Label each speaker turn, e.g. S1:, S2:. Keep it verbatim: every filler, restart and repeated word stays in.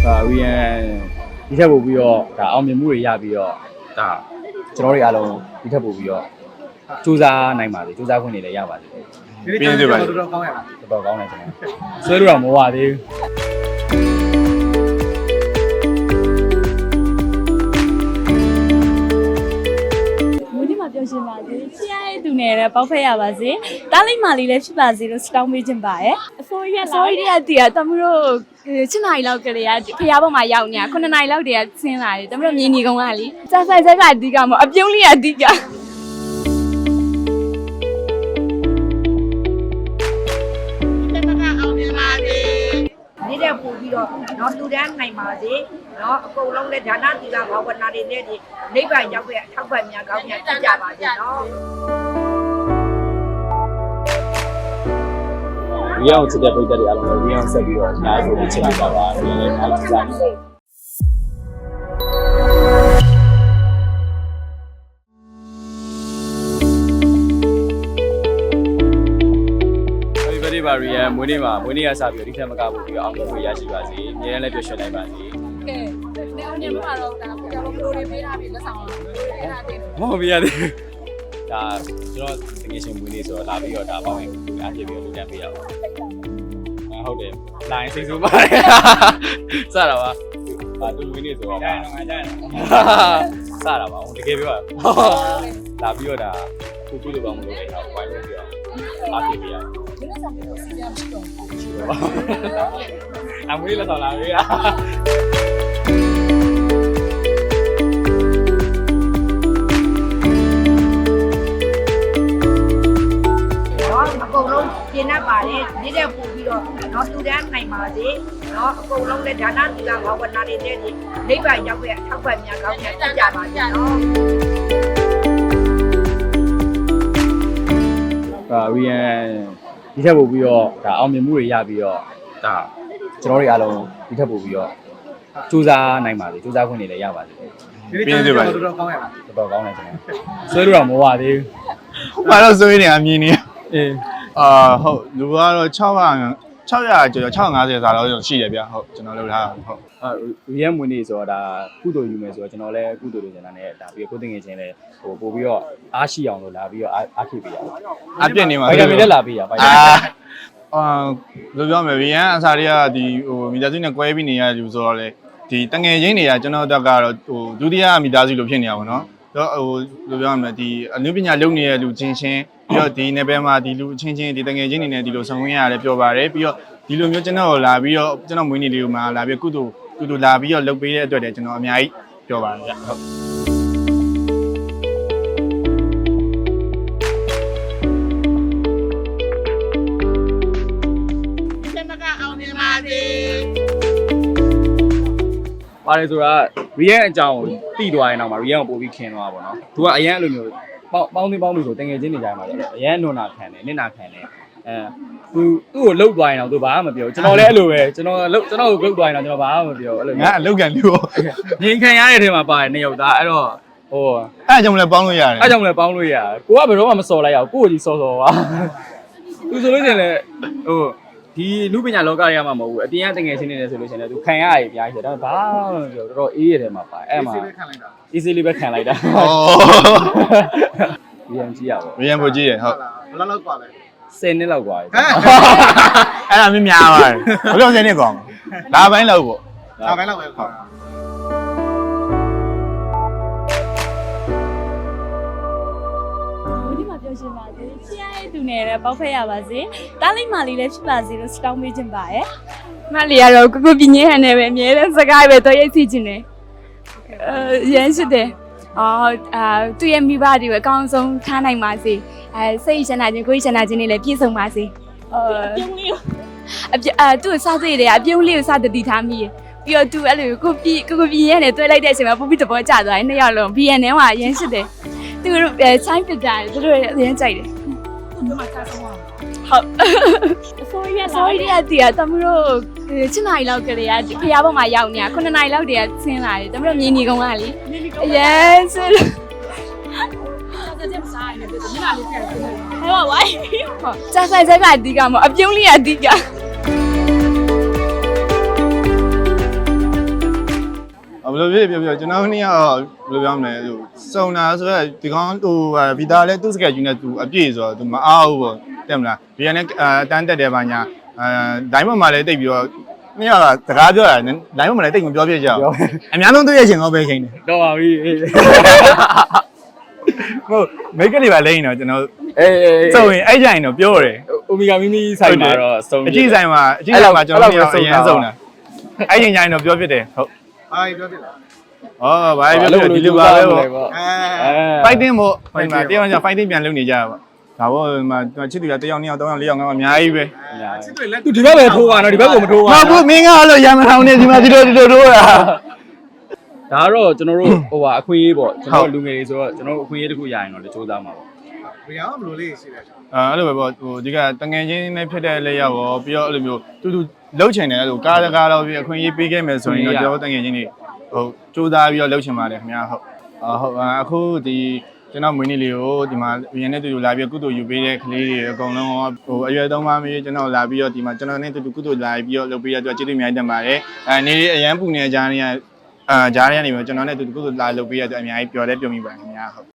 S1: ရီယန်ဒီထက်ပို့ပြီးတော့ဒါအောင်မြင်မှုတွေရပြီးတော့ဒါကျွန်တော်တို့အားလုံးဒီထက်ပို့ပြီးတော့စူးစမ်းနိုင်ပါစေစူးစမ်းခွင့်တွေလည်းရပါစေ
S2: ပြင်းပြပါ
S3: တော်တော်ကောင်းရလား
S1: တော်တော်ကောင်းတယ်ကျွန်တော်ဆွဲလို့တော့မဝသေး
S4: ဘူးဒီမှာပြောရှင်းပါစေချစ်ရတဲ့သူနဲ့လည်းပေါက်ဖက်ရပါစေတားလိုက်မှလေးလည်းဖြစ်ပါစေလို့စတောင်းပေးခြင်းပါရဲ့အစိုးရအစိုးရတည်းကတမတို့ချစ်နိုင်လောက်ကလေးကဖျားပေါ်မှာရောက်နေတာခုနှစ်နိုင်လောက်တည်းကဆင်းလာတယ်တမတို့မြင်နေကုန်ကလေစာဆိုင်ဆိုင်ကအဓိကမအပြုံးလေးကအဓိက
S5: နေတဲ့ပို့ပြီးတော့တော့လူတန်းနိုင်ပါစေเนาะအကုန်လုံးလည်းဒါနသီလဘာဝနာတွေနဲ့ဒီနိဗ္ဗာန်ရောက်တဲ့အထောက်ပံ့များကောင်းများကြကြပါစေเนาะ
S1: ရီအောင်စစ်တဲ့ပြည်သက်တွေအားလုံးလည်းရီအောင်ဆက်ပြီးတော့အများကြီးချစ်လိုက်ပါပါဒီလည်းအားလုံးစားနေပါရီယန်မွေးနေ့မှာမွေးနေ့ကစပြီးတော့ဒီထက်မကဖို့ပြီးတော့အောင်မြင်မှုရရှိပါစေ။အများနဲ့တွေ့ရှင်နိုင်ပါစေ
S4: ။ကဲ။နေအောင်နေမှာတော့ဒါကြောင့်ဘလိုတွေပေးထားပြီးလက်ဆောင်လာပေးထားတယ်
S1: ။ဟုတ်ပြီရတယ်။ဒါကျွန်တော်တကယ်ရှင်မွေးနေ့ဆိုတော့လာပြီးတော့ဒါပေါင်းရင်အားပြပြီးတော့လူတန်းပေးရပါဘူး။ဟုတ်တယ်။လိုင်းစိတ်ဆိုးပါတယ်။စတာပါ။ဒါသူမွေးနေ့ဆိုတော့ဒါတော့ငါကြတယ်။စတာပါ။တကယ်ပြောရ။လာပြီးတော့ဒါကိုကြည့်လို့ကောင်းမလို့လေ။ဝိုင်းလို့ပြီးတော့အားပြပေးရအောင်
S4: ဒီနေ့ဆောင်ပြီးတော့စီးရမရှိတော့ဘူး
S1: အမွေးလက်ဆောင်လာပြီ
S5: ။
S1: လား
S5: နော်အကုန်လုံးပြင်းတတ်ပါတယ်နေတဲ့ပို့ပြီးတော့တော့လူတန်းနိုင်ပါစေเนาะအကုန်လုံးလည်းဒါနသီလဘာဝနာတွေနဲ့ဒီနိဗ္ဗာန်ရောက်တဲ့အထောက်ပံ့များကောင်းများကြကြပါစေเนาะ
S1: ရီယန်ဒီထက်ပို့ပြီးတော့ဒါအောင်မြင်မှုတွေရပြီးတော့ဒါကျွန်တော်တို့အားလုံးဒီထက်ပို့ပြီးတော့စူးစမ်းနိုင်ပါစေစူးစမ်းခွင့်တွေလည်းရပါစေ
S3: ပြင်းပြပါတော်တော်ကောင်းရလား
S1: တော်တော်ကောင်းတယ်ကျွန်တော်ဆွဲလို့တော့မဝသေး
S2: ဘူးဘာလို့ဆွေးနေတာမြင်နေ
S1: အေး
S2: အာဟုတ်လူကတော့600 600ကျော်650စာတော့ရှိတယ်ဗျဟုတ်ကျွန်တော်လုပ်ထားဟုတ်
S1: အာရီယန်မွေးနေ့ဆိုတော့ဒါကုသိုလ်ယူမယ်ဆိုတော့ကျွန်တော်လည်းကုသိုလ်လုပ်နေတာနဲ့ဒါပြီးကိုသိငယ်ချင်းလည်းဟိုပို့ပြီးတော့အားရှိအောင်လို့လာပြီးတော့အားခိပေးရအောင်
S2: အပြစ်နေမှာ
S1: ဗိုက်တာမင်လည်းလာပေးရဗိုက်တာ
S2: အာလိုပြောမယ်ရီယန်အစားတွေကဒီဟိုမိသားစုနဲ့ကွဲပြီးနေရလူဆိုတော့လေဒီတငယ်ချင်းတွေကကျွန်တော်တက်ကတော့ဟိုဒုတိယမိသားစုလိုဖြစ်နေရပါတော့တော့ဟိုလိုပြောရမယ်ဒီအနုပညာလုပ်နေတဲ့လူချင်းချင်းပြီးတော့ဒီနယ်ပယ်မှာဒီလူချင်းချင်းဒီတငယ်ချင်းတွေနဲ့ဒီလိုဆောင်ရင်းရတယ်ပြောပါတယ်ပြီးတော့ဒီလိုမျိုးကျွန်တော်လာပြီးတော့ကျွန်တော်မွေးနေ့လေးကိုမှလာပြီးကုသိုလ်ကုသိုလ်လာပြီးတော့လုပ်ပေးတဲ့အတွက်တည်းကျွန်တော်အများကြီးပြောပါတယ်ဗျဟုတ်
S1: ပါတယ်ဆိုတာရီယန်အကြောင်းကိုတိသွားရင်တော့မှရီယန်ကိုပို့ပြီးခင်သွားပါတော့သူကအရန်အဲ့လိုမျိုးပေါင်းပေါင်းသိပေါင်းလို့ဆိုတငယ်ချင်းနေကြမှာလေအရန်နွန်နာခံတယ်နစ်နာခံတယ်အဲသူသူ့ကိုလှုပ်သွားရင်တော့သူဘာမှမပြောကျွန်တော်လည်းအဲ့လိုပဲကျွန်တော်လှုပ်ကျွန်တော်ကိုလှုပ်သွားရင်တော့ကျွန်တော်ဘာမှမပြောအဲ့လို
S2: ငါအလုပ်ကန်လူရော
S1: ငင်ခံရတဲ့ထဲမှာပါတယ်နှစ်ယောက်သားအဲ့တော့ဟို
S2: အဲ့ကြောင့်လည်းပေါင်းလို့ရတယ်
S1: အဲ့ကြောင့်လည်းပေါင်းလို့ရတယ်ကိုကဘယ်တော့မှမစော်လိုက်ရအောင်ကိုကိုကြီးစော်စော်ပါသူဆိုလို့ရှိရင်လည်းဟိုဒီလူပညာလောကတွေကမှမဟုတ်ဘူးအပြင်ကတငယ်ချင်းနေတယ်ဆိုလို့ရှိရင်လည်းသူခံရရည်အများကြီးဆိုတော့ဘာမှမပြောတော်တော်အေးရတယ်မှာပါအဲ့မှာ easy လေးပဲခံလိုက်တာ
S2: ဩ
S1: ရီယန်ကြည့်ရပါ
S2: ရီယန်ပိုကြည့်ရဟုတ်
S3: ဘယ်လောက်လောက်กว่าလဲ
S1: ဆယ်နှစ်လောက်กว่าပြီ
S2: အဲ့ဒါမြင်များပါတယ်ဘယ်လိုဆယ်နှစ်ကောင်းလာပိုင်းလောက်ပေါ့
S3: လာပိုင်းလောက်ပဲခေါ်တာ
S4: ဘူးဒီမှာပြောရှင်းပါစေချစ်ရတဲ့သူနဲ့လည်းပေါက်ဖက်ရပါစေတားလိုက်မှလေးလည်းဖြစ်ပါစေလို့စတောင်းပေးခြင်းပါရဲ့မလေးကတော့ကိုကိုပြင်းညဟန်နဲ့ပဲအမြဲတမ်းစကားပဲတော့ရိတ်စီခြင်းနဲ့အဲရမ်းရှိတယ်အော်အာသူ့ရဲ့မိဘတွေကိုအကောင်းဆုံးထားနိုင်ပါစေအဲစိတ်ချမ်းသာခြင်းကိုယ်ချမ်းသာခြင်းတွေလည်းပြည့်စုံပါစေအဲအပြုံးလေးအပြအာသူ့စားစိတ်တွေကအပြုံးလေးကိုစတတိထားမိရပြီးတော့သူအဲ့လိုကိုပြကိုကိုပြင်းရဲနဲ့တွဲလိုက်တဲ့အချိန်မှာပူပြီးတဘောကျသွားတယ်နှစ်ယောက်လုံးဘီယန်နဲ့ကရမ်းရှိတယ်သူတို့အဲချိုင်းပစ်တာသူတို့ရမ်းကြိုက်တယ်သူတို့မှစားဆုံးအောင်ဟုတ်အစိုးရအစိုးရတည်းကတမတို့ချစ်နိုင်လောက်ကလေးကဖျားပေါ်မှာရောက်နေတာခုနှစ်နိုင်လောက်တည်းကဆင်းလာတယ်တမတို့မြင်နေကုန်ကလေအရင်ဆင်းစားကြမစားရဘူးဒီမှာလေးပြန်ဆင်းတယ်ဟဲ့ဝိုင်းဟုတ်စာဆိုင်ဆိုင်ကအဓိကမအပြုံးလေးကအဓိက
S2: ဘယ်လိုဖြစ်ပြောပြောကျွန်တော်နေ့ကတော့ဘယ်လိုပြောမလဲဟိုစုံတာဆိုတော့ဒီကောင်ဟိုဗီတာလည်းသူ့စကက်ကြီးနဲ့သူအပြည့်ဆိုတော့သူမအားဘူးပေါ့တဲ့မလားဗီယန်နဲ့အတန်းတက်တယ်ပါညာအဲဒိုင်းမမှာလည်းတိတ်ပြီးတော့နေ့ကစကားပြောတာဒိုင်းမမှာလည်းတိတ်မပြောပြကြဘူးအများဆုံးတွေ့ရချင်းတော့ပဲချိန်တယ်
S1: တော့ပါပြီအေး
S2: ဟုတ်မိတ်ကလေးပါလိမ့်တော့ကျွန်တော်
S1: အေးအေး
S2: စုံရင်အဲ့ကြရင်တော့ပြောတယ်
S1: အိုမီဂါမီမီဆိုင်မှာတော့စုံ
S2: အကြည့်ဆိုင်မှာအကြည့်ဆိုင်မှာကျွန်တော်တို့အရင်ဆုံးတာအဲ့ချိန်ကျရင်တော့ပြောဖြစ်တယ်ဟုတ်
S3: ဟာပြောပြလား
S2: ဩဘာပြောပြောဒီလိုပါပဲပေါ့
S3: အဲ
S1: အဲ
S2: fighting မို့ဟိုမှာတယောက်ယောက် fighting ပြန်လုပ်နေကြတာပေါ့ဒါပေါ့ဟိုမှာချစ်သူကတယောက်နှစ်ယောက်သုံးယောက်လေးယောက်ငါးယောက်အများကြီးပဲ
S3: ချစ်တွေလက်
S1: သူဒီဘက်ပဲထိုးပါတော့ဒီဘက်ကိုမထိုးပါ
S2: မဟုတ်ဘူးမင်းကအဲ့လိုရမထောင်နေဒီမှာဒီလိုဒီလိုတို့တာ
S1: ဒါကတော့ကျွန်တော်တို့ဟိုပါအခွင့်အရေးပေါ့ကျွန်တော်လူငယ်တွေဆိုတော့ကျွန်တော်တို့အခွင့်အရေးတစ်ခုရရင်တော့လေစူးစမ်းမှာပေါ့
S3: ဘယ်အောင်ဘယ်လိုလေးရှိလဲ
S2: အဲ့လိုပဲပေါ့ဟိုဒီကတငယ်ချင်းနဲ့ဖြစ်တဲ့လက်ရောက်ရောပြီးတော့အဲ့လိုမျိုးတူတူလှုပ်ချင်တယ်အဲ့လိုကားတကားတော့ပြီးအခွင့်အရေးပေးခဲ့မယ်ဆိုရင်တော့ကျွန်တော်တငယ်ချင်းတွေဟိုစူးစမ်းပြီးတော့လှုပ်ချင်ပါတယ်ခင်ဗျာဟုတ်ဟုတ်အခုဒီကျွန်တော်မွေးနေ့လေးကိုဒီမှာရင်းနဲ့တူတူလာပြီးကုသိုလ်ယူပေးတဲ့ကလေးတွေအကုန်လုံးဟိုအရွယ်သုံးပါးမျိုးကျွန်တော်လာပြီးတော့ဒီမှာကျွန်တော်နဲ့တူတူကုသိုလ်လာပြီးတော့လုပ်ပေးရတဲ့အတွက်ကျေးဇူးအများကြီးတင်ပါတယ်အဲနေအရန်ပူနေကြတဲ့အာဂျားရနေမျိုးကျွန်တော်နဲ့တူတူကုသိုလ်လာလုပ်ပေးရတဲ့အတွက်အများကြီးပျော်လဲပျော်မိပါတယ်ခင်ဗျာဟုတ်